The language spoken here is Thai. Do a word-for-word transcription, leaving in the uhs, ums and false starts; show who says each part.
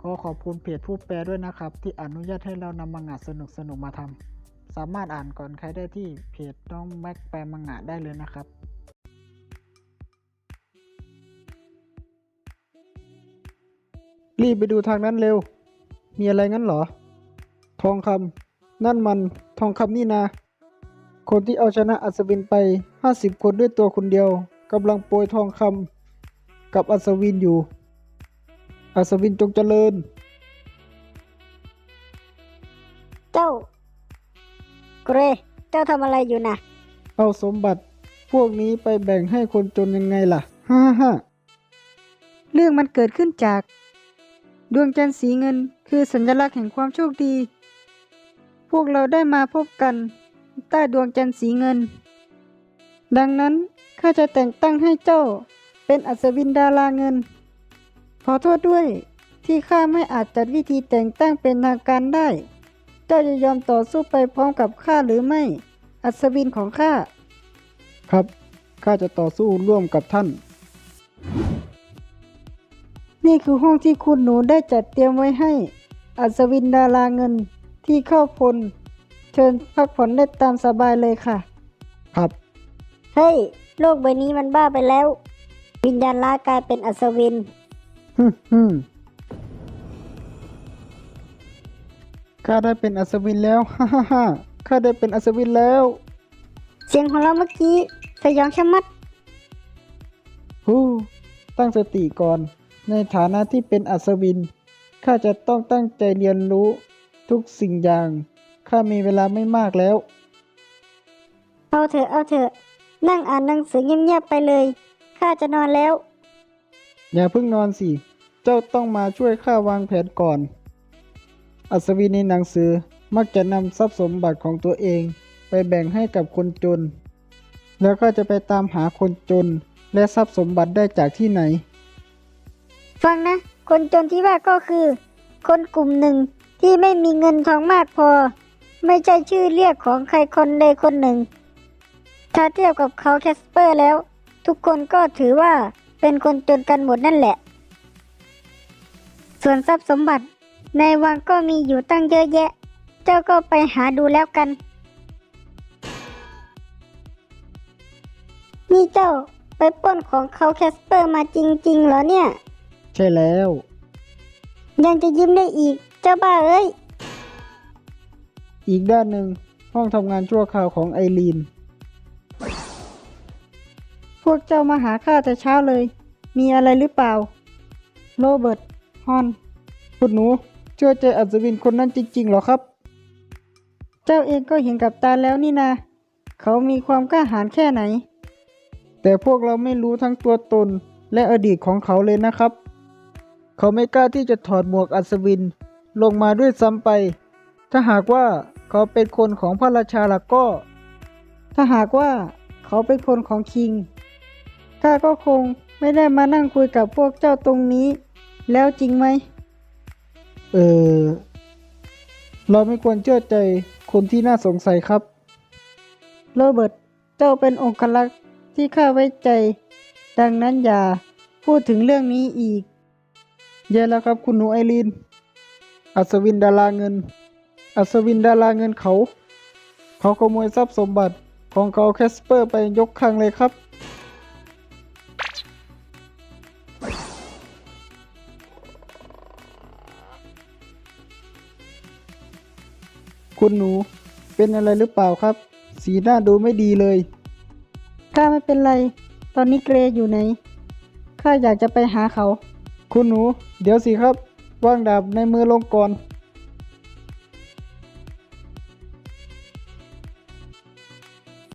Speaker 1: ขอขอบคุณเพจผู้แปลด้วยนะครับที่อนุญาตให้เรานำมังงะสนุกๆมาทำสามารถอ่านก่อนใครได้ที่เพจน้องแม็กแปลมังงะได้เลยนะครับรีบไปดูทางนั้นเร็วมีอะไรงั้นเหรอทองคำนั่นมันทองคำนี่นาคนที่เอาชนะอัศวินไปห้าสิบคนด้วยตัวคนเดียวกำลังโปรยทองคำกับอัศวินอยู่อัศวินจงเจริญ
Speaker 2: เจ้าเกรเจ้าทำอะไรอยู่นะ
Speaker 1: เอาสมบัติพวกนี้ไปแบ่งให้คนจนยังไงล่ะฮ่าฮ่าเรื่องมันเกิดขึ้นจากดวงจันทร์สีเงินคือสัญลักษณ์แห่งความโชคดีพวกเราได้มาพบกันใต้ดวงจันทร์สีเงินดังนั้นข้าจะแต่งตั้งให้เจ้าเป็นอัศวินดาราเงินขอโทษด้วยที่ข้าไม่อาจจัดวิธีแต่งตั้งเป็นทางการได้เจ้าจะยอมต่อสู้ไปพร้อมกับข้าหรือไม่อัศวินของข้าครับข้าจะต่อสู้ร่วมกับท่านนี่คือห้องที่คุณหนูได้จัดเตรียมไว้ให้อัศวินดาราเงินที่เข้าพลเชิญพักผ่อนได้ตามสบายเลยค่ะครับ
Speaker 2: เฮ้ยโลกใบนี้มันบ้าไปแล้ววิญญาณร้ายกลายเป็นอัศวิน
Speaker 1: ฮึฮึข้าได้เป็นอัศวินแล้วฮ่าฮ่าฮ่าข้าได้เป็นอัศวินแล้ว
Speaker 2: เสียงของเราเมื่อกี้สยองชะมัด
Speaker 1: ฮู้ตั้งสติก่อนในฐานะที่เป็นอัศวินข้าจะต้องตั้งใจเรียนรู้ทุกสิ่งอย่างข้ามีเวลาไม่มากแล้ว
Speaker 2: เอาเถอะเอาเถอะนั่งอ่านหนังสือเงียบๆไปเลยข้าจะนอนแล้ว
Speaker 1: อย่าเพิ่งนอนสิเจ้าต้องมาช่วยข้าวางแผนก่อนอัศวินในหนังสือมักจะนำทรัพย์สมบัติของตัวเองไปแบ่งให้กับคนจนแล้วก็จะไปตามหาคนจนและทรัพย์สมบัติได้จากที่ไหน
Speaker 2: ฟังนะคนจนที่ว่าก็คือคนกลุ่มหนึ่งที่ไม่มีเงินทองมากพอไม่ใช่ชื่อเรียกของใครคนใดคนหนึ่งถ้าเทียบกับเขาแคสเปอร์แล้วทุกคนก็ถือว่าเป็นคนจนกันหมดนั่นแหละส่วนทรัพย์สมบัติในวังก็มีอยู่ตั้งเยอะแยะเจ้าก็ไปหาดูแล้วกันนี่เจ้าไปปล้นของเขาแคสเปอร์มาจริงๆเหรอเนี่ย
Speaker 1: ใช่แล้ว
Speaker 2: ยังจะยิ้มได้อีกเจ้าบ้าเอ้ย
Speaker 1: อีกด้านหนึ่งห้องทำงานชั่วคราวของไอรีนพวกเจ้ามาหาข้าแต่เช้าเลยมีอะไรหรือเปล่าโรเบิร์ตฮอนคุณหนูเชื่อใจอัศวินคนนั้นจริงๆหรอครับเจ้าเองก็เห็นกับตาแล้วนี่นาเขามีความกล้าหาญแค่ไหนแต่พวกเราไม่รู้ทั้งตัวตนและอดีตของเขาเลยนะครับเขาไม่กล้าที่จะถอดหมวกอัศวินลงมาด้วยซ้ำไปถ้าหากว่าเขาเป็นคนของพระราชาล่ะก็ถ้าหากว่าเขาเป็นคนของคิงข้าก็คงไม่ได้มานั่งคุยกับพวกเจ้าตรงนี้แล้วจริงไหมเออเราไม่ควรเชื่อใจคนที่น่าสงสัยครับโรเบิร์ตเจ้าเป็นองครักษ์ที่ข้าไว้ใจดังนั้นอย่าพูดถึงเรื่องนี้อีกแย่แล้วครับคุณหนูไอรีนอัศวินดาราเงินอัศวินดาราเงินเขาเขาขโมยทรัพย์สมบัติของเขาแคสเปอร์ไปยกคลังเลยครับคุณหนูเป็นอะไรหรือเปล่าครับสีหน้าดูไม่ดีเลยข้าไม่เป็นไรตอนนี้เกรอยู่ไหนข้าอยากจะไปหาเขาคุณหนูเดี๋ยวสิครับวางดาบในมือลงก่อน